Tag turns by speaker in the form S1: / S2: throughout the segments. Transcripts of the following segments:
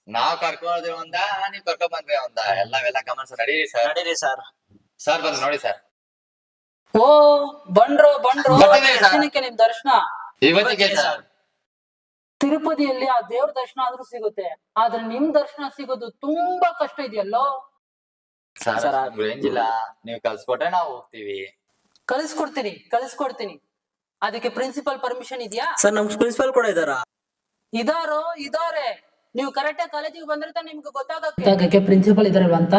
S1: ನಾವ್ ಕರ್ಕೊಂಡ್ರೆ ಒಂದ ನೀವ್ ಕರ್ಕೊಂಡ್ ಬಂದ್ರೆ ಒಂದ ಎಲ್ಲವೆಲ್ಲ ಗಮನಿಸ ನಡೀರಿ ಸರ್.
S2: ನಡೀರಿ ಸರ್.
S1: ಸರ್ ಬಂದು ನೋಡಿ ಸರ್.
S3: ಓ ಬಂಡ್ರು ಬಂಡ್ರು
S1: ಬರ್ತೀನಿ ಸರ್.
S3: ದಿನಕ್ಕೆ ನಿಮ್ ದರ್ಶನ.
S1: ಇವತ್ತಿಗೆ ಸರ್.
S3: ತಿರುಪತಿಯಲ್ಲಿ ಆ ದೇವ್ರ ದರ್ಶನ ಆದ್ರೂ ಸಿಗುತ್ತೆ, ಆದ್ರೆ ನಿಮ್ ದರ್ಶನ ಸಿಗೋದು ತುಂಬಾ ಕಷ್ಟ ಇದೆಯಲ್ಲೋ.
S1: ಸರ್ ರೇಂಜ್ ಇಲ್ಲ, ನೀವ್ ಕಲ್ಸ್ಕೊಟ್ರೆ ನಾವು ಹೋಗ್ತೀವಿ.
S3: ಕಳಿಸ್ಕೊಡ್ತೀನಿ. ಅದಕ್ಕೆ ಪ್ರಿನ್ಸಿಪಲ್ ಪರ್ಮಿಷನ್ ಇದೆಯಾ?
S2: ಸರ್ ನಮ್ ಪ್ರಿನ್ಸಿಪಲ್ ಕೂಡ ಇದಾರಾ?
S3: ಇದಾರೆ. ನೀವು ಕರೆಕ್ಟ್ ಕಾಲೇಜಿಗೆ ಬಂದ್ರೆ ತಾನೇ ನಿಮ್ಗೆ ಗೊತ್ತಾಗಕ್ಕೆ ಪ್ರಿನ್ಸಿಪಲ್ ಇದಾರಲ್ವ ಅಂತ.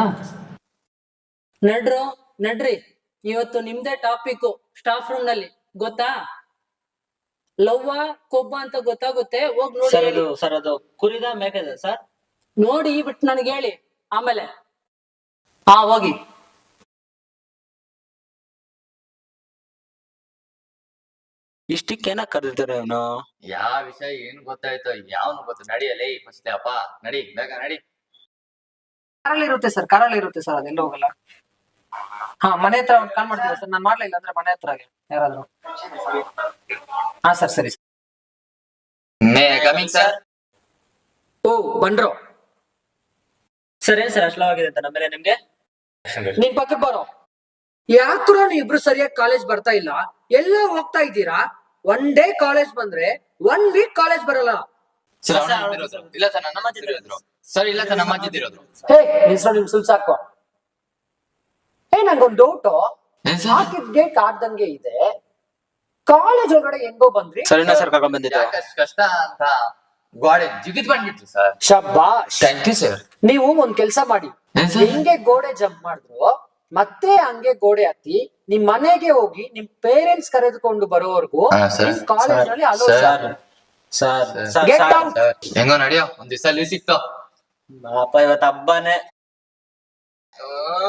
S3: ನಡ್ರಿ ಇವತ್ತು ನಿಮ್ದೇ ಟಾಪಿಕ್ ಸ್ಟಾಫ್ ರೂಮ್ ನಲ್ಲಿ, ಗೊತ್ತಾ? ಲವ್ವ ಕೊಬ್ಬ ಅಂತ ಗೊತ್ತಾಗುತ್ತೆ, ಹೋಗ್ ನೋಡಿ.
S2: ಸರ್ ಅದು ಕುರಿದ ಮೇಕದ ಸರ್?
S3: ನೋಡಿ ಬಿಟ್ಟು ನನಗೆ ಹೇಳಿ ಆಮೇಲೆ. ಹೋಗಿ.
S2: ಇಷ್ಟಕ್ಕೇನ ಕರೆದಿರ್ತಾರೆ ಅವನು?
S1: ಯಾವ ವಿಷಯ ಏನ್ ಗೊತ್ತಾಯ್ತು, ಯಾವನು ಗೊತ್ತು. ನಡಿಯಲೇ ಫಸ್ಟ್ ಅಪ್ಪ, ನಡಿ ಬೇಗ ನಡಿ.
S4: ಕಾರಲ್ಲಿ ಇರುತ್ತೆ ಸರ್ ಅದೆಲ್ಲ ಹೋಗಲ್ಲ. ಮನೆ ಹತ್ರ ಒಂದು ಕಾಲ್ ಮಾಡ್ತೀರಾ ಸರ್? ನಾನು ಮಾಡ್ಲಿಲ್ಲ ಅಂದ್ರೆ ಮನೆ ಹತ್ರ ಯಾರಾದ್ರು. ಸರ್ ಸರಿ.
S1: May coming sir.
S3: ಓ ಬಂಡ್ರು.
S2: ಸರ್ ಏನ್ ಸರ್ ಅಶ್ಲವಾಗಿದೆ ಅಂತ ನಮ್ಮೇಲೆ ನಿಮ್ಗೆ?
S4: ನಿನ್ ಪಕ್ಕಕ್ಕೆ ಬರೋ. ಯಾಕ್ರೋ ನೀವು ಇಬ್ರು ಸರಿಯಾಗಿ ಕಾಲೇಜ್ ಬರ್ತಾ ಇಲ್ಲ, ಎಲ್ಲ ಹೋಗ್ತಾ ಇದ್ದೀರಾ. ಒನ್ ಡೇ ಕಾಲೇಜ್ ಬಂದ್ರೆ 1 ವೀಕ್ ಕಾಲೇಜ್ ಬರಲ್ಲ.
S1: ಸರ್ ಇಲ್ಲ ಸರ್, ನಮ್ಮ ಅಜ್ಜಿ ಇರೋದು. ಸರ್ ಇಲ್ಲ ಸರ್, ನಮ್ಮ ಅಜ್ಜಿ ಇರೋದು.
S4: ನಿಮ್ ಸುಲ್ಸಾಕೋ. ನಂಗೊಂದು ಡೌಟ್. ಹಾಕಿದ್ ಗೇಟ್ ಆಡ್ದಂಗೆ ಇದೆ, ಕಾಲೇಜ್ ಒಳಗಡೆ ಹೆಂಗೋ ಬಂದ್ರಿ?
S2: ಸರಿನಾ ಸರ್ ಕರ್ಕೊಂಡ್ ಬಂದಿದ್ದು?
S1: ಯಾಕಷ್ಟು ಕಷ್ಟ ಅಂತ ಗೋಡೆ ಜಿಗಿದ್ ಬಂದ್ಬಿಟ್ರು ಸರ್.
S4: ಶಬ್ಬಾಷ್.
S1: Thank you sir.
S4: ನೀವು ಒಂದ್ ಕೆಲ್ಸ ಮಾಡಿ, ಹೆಂಗೆ ಗೋಡೆ ಜಂಪ್ ಮಾಡಿದ್ರು ಮತ್ತೆ ಹಂಗೆ ಗೋಡೆ ಹತ್ತಿ ನಿಮ್ ಮನೆಗೆ ಹೋಗಿ ನಿಮ್ ಪೇರೆಂಟ್ಸ್ ಕರೆದುಕೊಂಡು ಬರೋವರೆಗೂ ನಿಮ್ ಕಾಲೇಜ್ ನಲ್ಲಿ ಅಲೋ. Get out.
S1: ಹೆಂಗೋ ನಡಿಯೋ, ಒಂದ್ ದಿವಸ ಲೀವ್ ಸಿಕ್ತು.
S2: ಅಪ್ಪ ಇವತ್ತು ಹಬ್ಬನೇ.